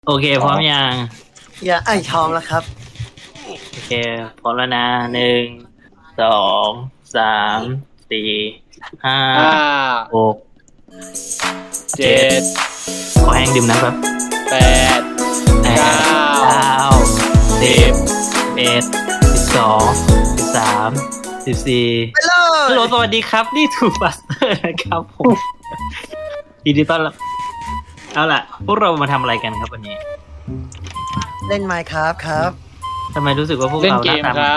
โอเคพร้อมยังอย่าพร้อมแล้วครับโอเคพร้อมแล้วนะ1 2 3 4 5 6 7 ขอแห้งดื่มน้ำครับ 8 10 9 10 11 12 13 14 ไปเลยฮัลโหลสวัสดีครับนี่ทูบัสเตอร์นะครับผมยินดีต้อนรับเอาล่ะพวกเรามาทำอะไรกันครับวันนี้เล่น Minecraft ครับทำไมรู้สึกว่าพวกเล่นเราเกมครับ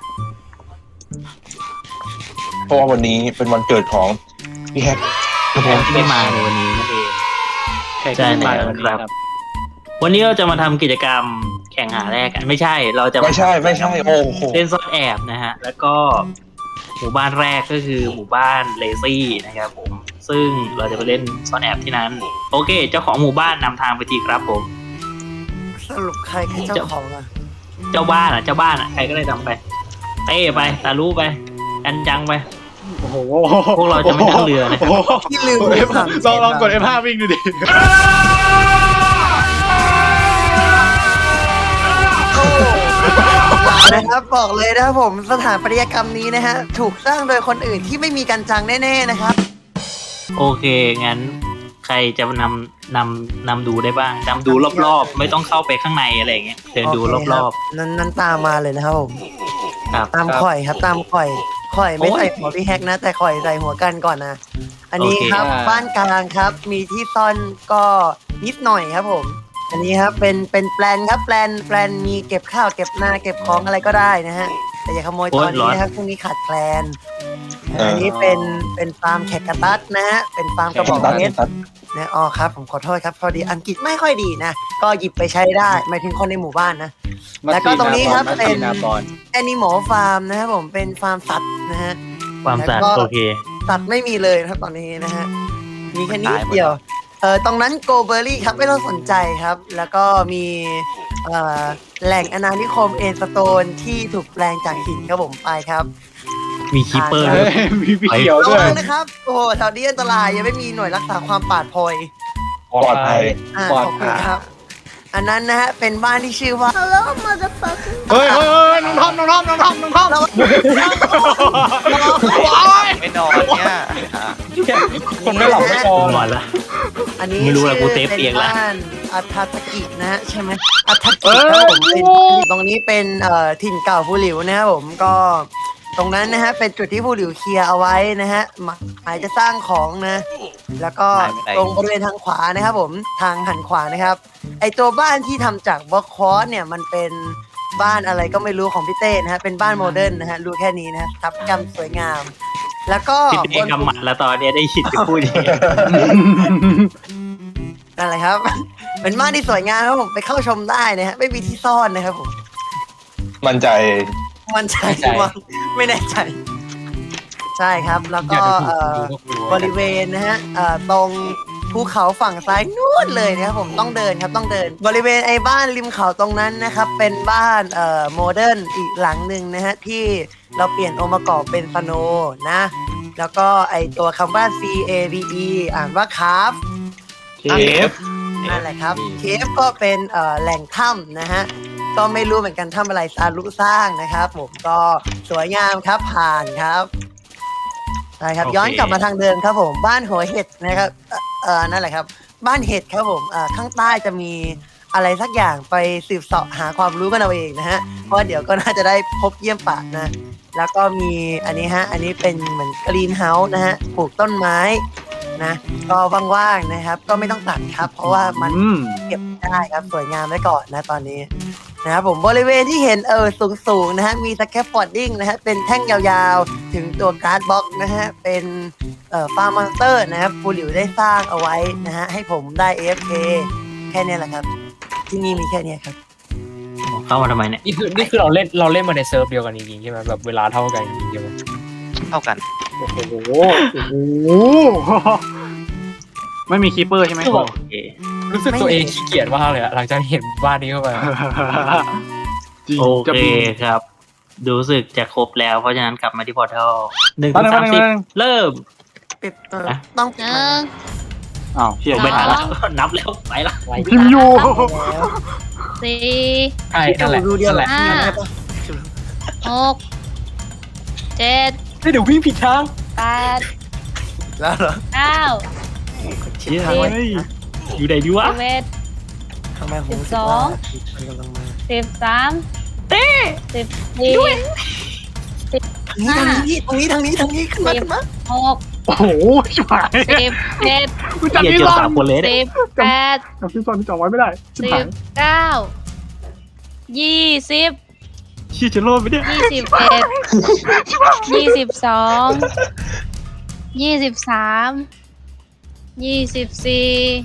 เพราะว่าวันนี้เป็นวันเกิดของพี่แฮกผมที่ไม่มาในวันนี้นั่นเองแขกใช่ที่มาแล้ววันนี้ครับครับวันนี้เราจะมาทำกิจกรรมแข่งหาแรกกันไม่ใช่ เราจะาไม่ใช่โอ้โหเล่นซ่อนแอบนะฮะ แล้วก็หมู่บ้านแรกก็คือหมู่บ้านเลซี่นะครับผม ซึ่งเราจะไปเล่นซ่อนแอบที่นั้น โอเค เจ้าของหมู่บ้านนำทางไปทีครับผมสรุปใครคือเจ้าของอ่ะเจ้าบ้านใครก็ได้ทำไปเต้ไปตารู้ไปกันจังไปโอ้โหพวกเราจะไม่นั่งเรือนะโอ้โหที่ลืมกด F ลองกด F5 วิ่งดูดินะครับบอกเลยนะครับผมสถานปฏิกรรมนี้นะฮะถูกสร้างโดยคนอื่นที่ไม่มีกันจังแน่ๆนะครับโอเค งั้นใครจะนำดูได้บ้างนำดูรอบๆ ไม่ต้องเข้าไปข้างในอะไรอย่างเงี้ยเดินดูรอบๆนั้นตามมาเลยนะครับผมๆครับตามข่อยครับตามข่อยไม่ใส่หัวพี่แฮกนะแต่ข่อยใส่หัวกันก่อนนะอันนี้ครับโอเคบ้านกลางครับมีที่ซ่อนก็นิดหน่อยครับผม อันนี้ครับเป็นแปลนครับแปลนมีเก็บข้าวเก็บนาเก็บของอะไรก็ได้นะฮะแต่อย่าขโมยตอนนี้นะครับช่วงนี้ขาดแคลนอันนี้เป็นฟาร์มแขกกระตัดนะฮะเป็นฟาร์มกระบอกเพชรนะอ๋อครับผมขอโทษครับพอดีอังกฤษไม่ค่อยดีนะก็หยิบไปใช้ได้หมายถึงคนในหมู่บ้านนะ แล้วก็ตรงนี้ครับเป็น แอนิมอลฟาร์มนะครับผมเป็นฟาร์มสัตว์นะฮะความสะอาดแล้วก็โอเคสัตว์ไม่มีเลยนะครับตอนนี้นะฮะมีแค่นิดเดียวตรงนั้นโกเบอรี่ครับไม่ต้องสนใจครับ แล้วก็มีแหล่งอาณานิคมเอสโตนที่ถูกแปลงจากหินครับผมไปครับมีคีเปอร์เฮ้ด้วยยมีพี่เขียวระด้วยวังนะครับโอ้โหแถวนี้อันตรายยังไม่มีหน่วยรักษาความปลอดภัยปลอดภัยปลอดขอบคุภัณยครับ อันนั้นนะฮะเป็นบ้านที่ชื่อว่า Hello motherfucker เฮ้ยน้องทอมไม่นอนเนี่ยคนไม่หลับไม่นอนหมดละอันนี้ไม่รู้แหละกูเซฟป็นเตียงละบ้านอัฐตกินะฮะใช่ไหมอัฐกิครับผมเป็นตรงนี้เป็นถิ่นเก่าผู้หลิวนะครับผมก็ตรงนั้นนะฮะเป็นจุดที่ผู้หลิวเคลียร์เอาไว้นะฮะหมายจะสร้างของนะแล้วก็ตรงบริเวณทางขวานะครับผมทางหันขวานะครับไอตัวบ้านที่ทำจากบล็อกคอร์สเนี่ยมันเป็นบ้านอะไรก็ไม่รู้ของพี่เต้นะฮะเป็นบ้านโมเดิร์นนะฮะรู้แค่นี้นะทับกรรมสวยงาม แล้วก็พี่เต้กำหมัดแล้วตอนเนี้ยได้ยินจะพูดอย่างนี้นั่นแหละครับ เป็นบ้านที่สวยงามครับผมไปเข้าชมได้นะฮะไม่มีที่ซ่อนนะครับผมมั่นใจมันใจว่าไม่แน่ใจ ใช่ครับ แล้วก็บริเวณนะฮะตรงภูเขาฝั่งซ้ายนู่นเลยนะครับผมต้องเดินครับต้องเดิน บริเวณไอ้บ้านริมเขาตรงนั้นนะครับ เป็นบ้านโมเดิร์นอีกหลังหนึ่งนะฮะที่เราเปลี่ยนองค์ประกอบเป็นสโนนะ แล้วก็ไอตัวคำว่า C A V E อ่านว่าคาฟเคฟนั่นแหละครับเคฟก็เป็นแหล่งถ้ำนะฮะก็ไม่รู้เหมือนกันถ้ำอะไรซารุสร้างนะครับผมก็สวยงามครับผ่านครับใช่ครับย้อนกลับมาทางเดิมครับผมบ้านหัวเห็ดนะครับนั่นแหละครับ บ้านเห็ดครับผมข้างใต้จะมีอะไรสักอย่างไปสืบเสาะหาความรู้กันเอาเองนะฮะเพราะเดี๋ยวก็น่าจะได้พบเยี่ยมป่านะแล้วก็มีอันนี้ฮะอันนี้เป็นเหมือนกรีนเฮาส์นะฮะปลูกต้นไม้นะก็ว่างๆนะครับก็ไม่ต้องตัดครับ เพราะว่ามัน เก็บได้ครับสวยงามไว้ก่อนนะตอนนี้นะครับผมบริเวณที่เห็นสูงนะฮะมีสแคปฟอร์ดดิ้งนะฮะเป็นแท่งยาวๆ ถึงตัวการ์ดบ็อกนะฮะเป็นฟาร์มอนสเตอร์นะครับปูหลิวได้สร้างเอาไว้นะฮะให้ผมได้ AFK แค่นี้แหละครับ ที่นี่มีแค่นี้ครับเข้ามาทำไมเนี่ยนี่คือเราเล่นมาในเซิร์ฟเดียวกันจริงๆใช่ไหมแบบเวลาเท่ากันจริงๆใช่ไหมเท่ากันโอ้โหไม่มีคีเปอร์ใช่ไหมโอเครู้สึกตัวเองขี้เกียจมากเลยอะหลังจากเห็นบ้านนี้เข้าไปจริงโอจะเคปีครับ รู้สึกจะครบแล้วเพราะฉะนั้นกลับมาที่พอร์ทัล1 ตอนถึนั้งน 30 เริ่มปิดนะต้องปิดไมค์อ้าวเฮียไม่ทันแล้วนับแล้วไปละพิมพ์อยู่แล้วสี่ใช่นั่นแหละดูเดียวนั่นแหละห้าหกเจ็ดเดี๋ยววิ่งผิดทางแปดแล้วเหรอเก้าเชี่ยสิบอยู่ไหนดีวะสิบเอ็ดทำไมผมรู้สึก 12 ว่ามันกำลังมา 1314 ทางนี้ตรงนี้ขึ้นมาขึ้นมาหกโอ้โหชิบหาย 17 กูจำเหี้ยที่เจอซ่อน 3 คนเลยเนี่ย 18 จำที่ซ่อนที่จำไว้ไม่ได้ชิบหาย 19 20 เชี่ยจะรอดไหมเนี่ย 21 22 23 24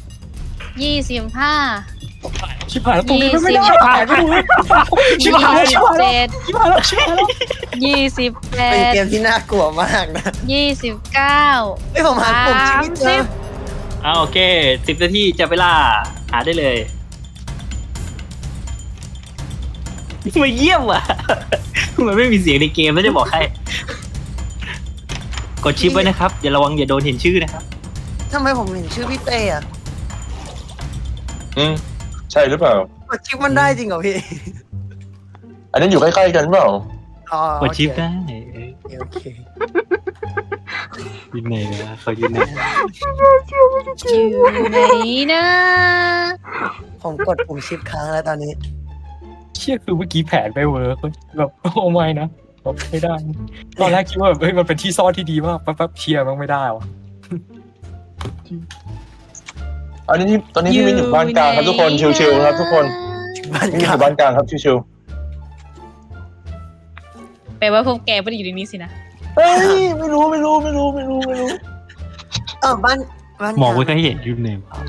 25 ชิบหายแล้วตรงนี้ไม่ได้ 20 ชิบหายไม่รู้ชิบหายชิบหายแล้ว 27 ชิบหายแล้วชิบหายแล้วเป็นเกมที่น่ากลัวมากนะ 29 เฮ้ยผมหาปุ่มชีวิตเจอโอเค10 นาทีจะเวลาหาได้เลยมาเยี่ยมว่ะมันไม่มีเสียงในเกมแล้วจะบอกใครกดชิปไว้นะครับอย่าระวังอย่าโดนเห็นชื่อนะครับทำไมผมเห็นชื่อพี่เต้อะใช่หรือเปล่ากดชิปมันได้จริงเหรอพี่อันนั้นอยู่ใกล้ๆกันเปล่าอ๋อกดชิปได้โอเคยืนไหนนะเขายืนไหนอยู่ไหนนะผมกดปุ่มชิปค้างแล้วตอนนี้เชี่ยคือเมื่อกี้แผนไม่เวิร์กแบบโอ้ไม่นะแบบไม่ได้ตอนแรกคิดว่าแบบเฮ้ยมันเป็นที่ซ่อนที่ดีมากแป๊บๆเชียร์มันไม่ได้วะตอนนี้พี่มิ้นอยู่บ้านกลางครับทุกคนชิวๆครับทุกคนบ้านพี่มิ้นกอลางยู่บ้านกลางครับชิวแปลว่าพวกแกไม่ได้อยู่ในนี้สินะๆเฮ้ยไม่รู้บ้านกลางมองไว้ก็เห็นยืนไหนวะ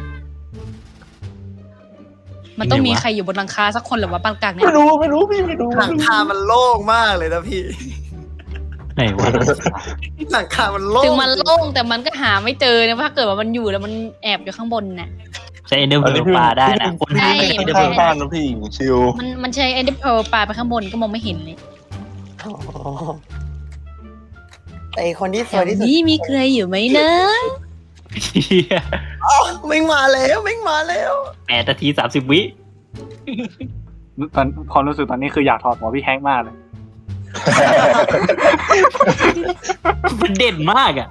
มันต้องมีใครอยู่บนหลังคาสักคนหรือว่าปานกลางเนี่ยไม่รู้พี่ไม่รู้หลังคามันโล่งมากเลยนะพี่ไหนวะหลังคามันโล่งถึงมันโล่งแต่มันก็หาไม่เจอนะถ้าเกิดว่ามันอยู่แล้วมันแอบอยู่ข้างบนน่ะใช้เอ็นเดอร์เวิร์ปลาได้นะคนใช่ที่ไม่ไม่ใช่ได้เอ็นเดอร์เวิร์ข้างบ้านนะพี่ชิวมันใช้เอ็นเดอร์เพลปลาไปข้างบนก็มองไม่เห็นเลยอ๋อแต่ไอ้คนที่สวยที่สุดนี่มีใครอยู่ไหมนะเหี้ยวิ่งมาแล้ว 8 นาที 30 วิตอนความรู้สึกตอนนี้คืออยากถอดหัวพี่แฮงค์มากเลยมันเด่นมากอ่ะ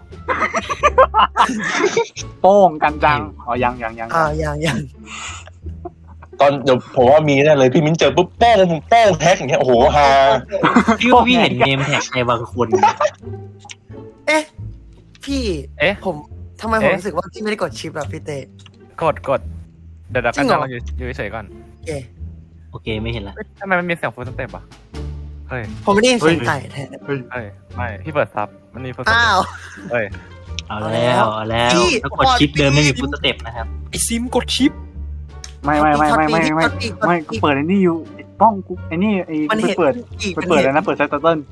โป้งกันจังอ๋อยังอย่างตอนเดี๋ยวผมว่ามีแน่เลยพี่มิ้นเจอปุ๊บโป้งแฮกอย่างเงี้ยโอ้โหฮาพี่ว่าพี่เห็นเนมแท็กใครบางคนเอ๊ะพี่เอ๊ะผมทำไมผมรู้สึกว่าพี่ไม่ได้กดชิปอะพี่เต้กดเดี๋ยวจริกันงเหรอจังเราอยู่เฉยๆก่อนเอ๊ะโอเคไม่เห็นละทำไมมันมีเสียงฟูลสเต็ปอ่ะเฮ้ยผมไม่ได้ยินเสียงไก่แทนไม่พี่เปิดซับมันมีฟูลสเต็อ้าปวเฮ้ยเอาแล้วพี่ถ้ากดชิปเดิมไม่มีฟุตสเต็ปนะครับไอซิมกดชิปไม่กูเปิดไอ้นี่อยู่ป้องกูไอ้นี่ไอ้มันไปเห็นเปิดอีกไปเปิดแล้วนะเปิดไซต์เติ้ล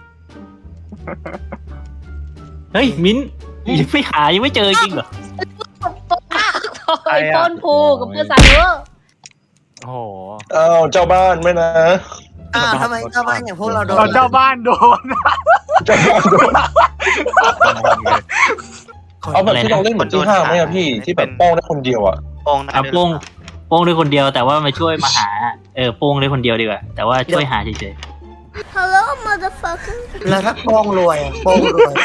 เฮ้ยมิ้นไม่หายังไม่เจอจริงเหรอไอ้ต้นภูกับเพื่อนซันเวอร์โอ้โหอ้าวเจ้าบ้านไม่นะอ้าวทำไมอย่างพวกเราโดนเจ้าบ้านโดนเจ้าบ้านโดนเอาแบบที่เราเล่นเหมือนที่ห้างไหมอะพี่ที่แบบโป้งได้คนเดียวอะโป้งนะเอาโป้งด้วยคนเดียวแต่ว่ามาช่วยมาหาโป้งด้วยคนเดียวดีกว่าแต่ว่าช่วยหาเฉยแล้วถ้าโป้งรวยอะโป้งรวย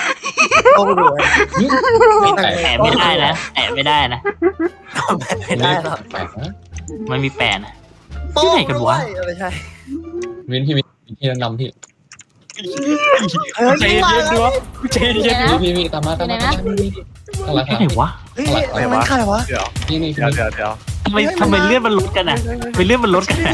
ๆแปะไม่ได้นะแปะไม่ได้นะไม่ได้หรอกแปลกนะมันมีแปะนะโป้งที่ไหนกันวะรยไม่ใช่วินพี่แนะนำพี่ใจเย็นๆด้วยใจเย็นพี่ตามมาข้างหลังที่ไหนวะเฮ้ยมันใครวะเดี๋ยวนี่เดี๋ยวทำไมเลื่อนมันลดกันอ่ะทำไมเลื่อนมันลดกันอะ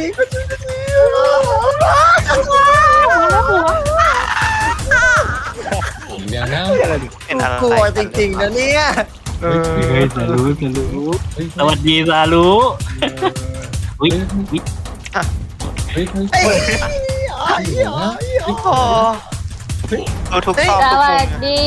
เดี๋ยวนะเป็นอะไรกลัวจริงๆนะเนี่ยเฮ้ยซาลูสวัสดีซาลูอุ้ยเฮ้ยเอ้ยโอ้โหดูทุกซอกสทุกวัมุสมดี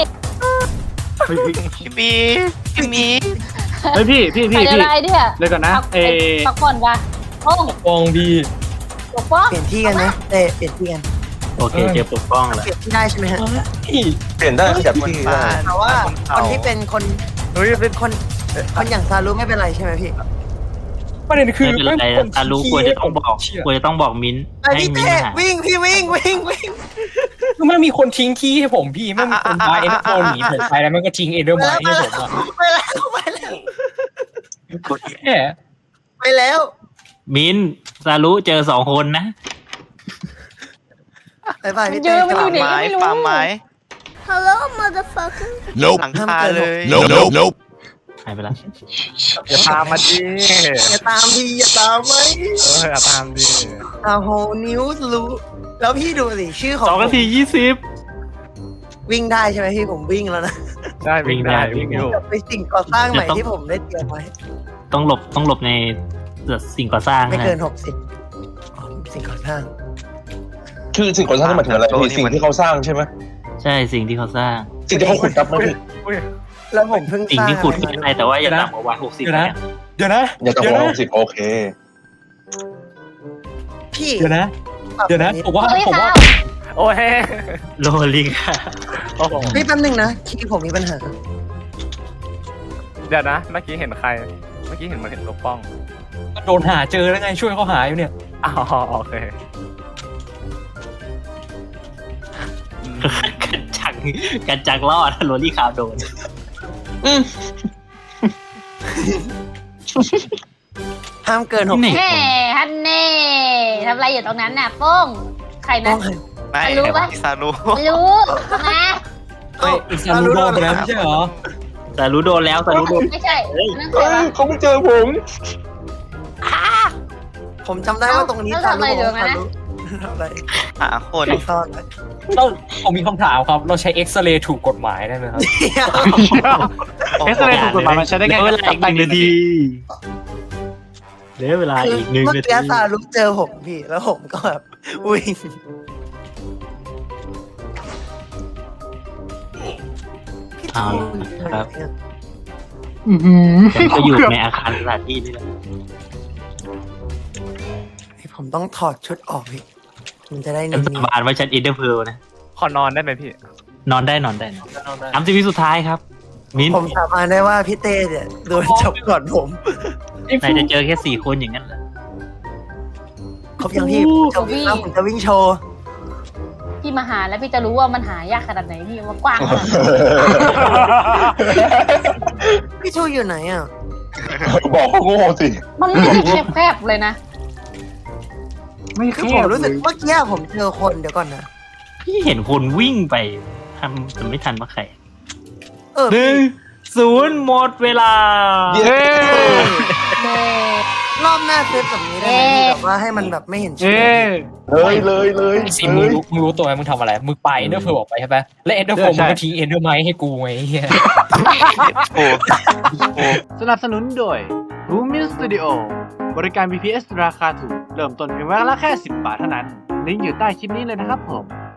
พี่มีเฮ้ยพี่ใครอะไรเนี่ยเลยก่อนนะพักผ่อนกันโอ้ฟองพี่ปกป้องเปลี่ยนที่กันไหมเต้เปลี่ยนที่กันโอเคเจอปกป้องแล้วเปลี่ยนที่ได้ใช่ไหมฮะเปลี่ยนได้ขยับที่ได้แต่ว่าคนที่เป็นคนเฮ้ยเป็นคนอย่างซารุไม่เป็นไรใช่ไหมพี่ประเด็นคือไม่เป็นไรคนตารู้ควรจะต้องบอกเชี่ยควรจะต้องบอกมิ้นท์ไอ้ให้พี่มิ้นเต้ท์หาวิ่งพี่วิ่งคือมันมีคนทิ้งขี้ให้ผมพี่ไม่มีคนพาเอ็นเดอร์โฟนหนีผมไปแล้วมันก็ทิ้งเอ็นเดอร์ไมล์ให้ผมอ่ะไปแล้วแหมไปแล้วมิ้นท์ซารุเจอ2 คนนะไปไปพี่เยเต้อะมันอยู่ไหนไม้ฟาร์มไม้ Hello, motherfucker. หลังคาเลยหายไปแล้วอย่าตามมาดิอย่าตามพี่อย่าตามไหมอย่าตามดิอาโหนิวส์รู้แล้วพี่ดูสิชื่อของ 2 นาทีวิ่งได้ใช่ไหมพี่ผมวิ่งแล้วนะได้วิ่งได้วิ่วิ่งงได้อยู่ไปสิ่งก่อสร้างใหม่ที่ผมได้เตรียมไว้ต้องหลบในสิ่งก่อสร้างไม่นะเกิน60สิ่งก่อสร้างคือสิ่งก่อสร้างนี่หมายถึงอะไรพี่สิ่งที่เขาสร้างใช่ไหมใช่สิ่งที่เขาสร้างสิ่งที่เขาขุดครับไหมพี่แล้วผมเพิ่งสิ่งสร้างที่ขุดขึ้นได้แต่ว่าอย่าต่ำกว่าวัน60 เดี๋ยวนะอย่าต่ำกว่า60โอเคพี่เดี๋ยวนะผมว่าเฮ้ยผมว่าค่ะโอ้ยโลลิงค่ะโอ้โหพี่แป๊บนึงนะคีย์ผมมีปัญหาเดี๋ยวนะ เมื่อกี้เห็นใคร เมื่อกี้เห็นมันเห็นตัวป้องโดนหาเจอแล้วไงช่วยเขาหาอยู่เนี่ยอ๋อโอเคกันจังรอดโรลี่คาวโดนห้ามเกินนี่ 60 แหมฮันเน่ทำอะไรอยู่ตรงนั้นน่ะโป้งใครต้นะองไม่รู้ปะซารู้รู้นะเฮ้ยอีกซาลูโดนไปแล้วไม่ใช่เหรอแต่รู้โดนแล้วแต่รู้โดนไม่ใช่นั่นใครเฮ้ยวะเขาไม่เจอผมผมจำได้ว่าตรงนี้แล้วซาทำอะไรรุอยู่นะทำอะไรหาคนซ่อนไว้ผมมีคำถามครับ เราใช้เอ็กซเรย์ถูกกฎหมายได้ไหมครับเอ็กซ์เรย์ถูกกฎหมายมันใช้ได้เหลืแค่อเวลาอีก1 นาทีเหลือเวลาคืออีก1 เมื่อนากี้ทีซารุเจอผมพี่ แล้วผมก็แบบวิ่งพี่เอาทูละครับเนี่ยผมก็อยู่ในอาคารสถานที่นี่แหละผมต้องถอดชุดออกพี่มันจะได้ฉันเนียสาน บานว่าฉันอินเตอร์เพลนะขอนอนได้ไหมพี่นอนได้30 วิสุดท้ายครับ มิ้นๆผมสาบานได้ว่าพี่เต้เนี่ยโดนจับก่อนผมไหนจะเจอแค่4 คนอย่างนั้นเหรอครบยังพี่ผมจะวิ่งแล้วผมจะวิ่งโชว์พี่มาหาแล้วพี่จะรู้ว่ามันหายากขนาดไหนพี่ว่ากว้างขนาดไหนพี่ชูอยู่ไหนอ่ะบอกเขาโง่สิมันไม่ได้แคบๆเลยนะไม่คือแคผมบรู้สึกเมื่อกี้ผมเจอคนเดี๋ยวก่อนนะพี่เห็นคนวิ่งไปทำแต่ไม่ทันว่าใครเออ 1-0 หมดเวลาเย้รอบหน้าเซฟแบบนี้ได้ไหมพี่แบบว่าให้มันแบบไม่เห็นชื่เอ้ยเลยไอ้สิมึงรู้ตัวไหมมึงทำอะไร มึงไปเอ็นเดอร์โฟออกไปใช่ปะและเอ็นเดอร์โฟมึงก็ทิ้งเอ็นเดอร์ไมล์ให้กูไงไอ้เหี้ยโอ้โอ้สนับสนุนโดย Lumin Studio บริการ VPS ราคาถูก เริ่มต้นเพียงวันละแค่ 10 บาทเท่านั้น ลิงก์อยู่ใต้คลิปนี้เลยนะครับผม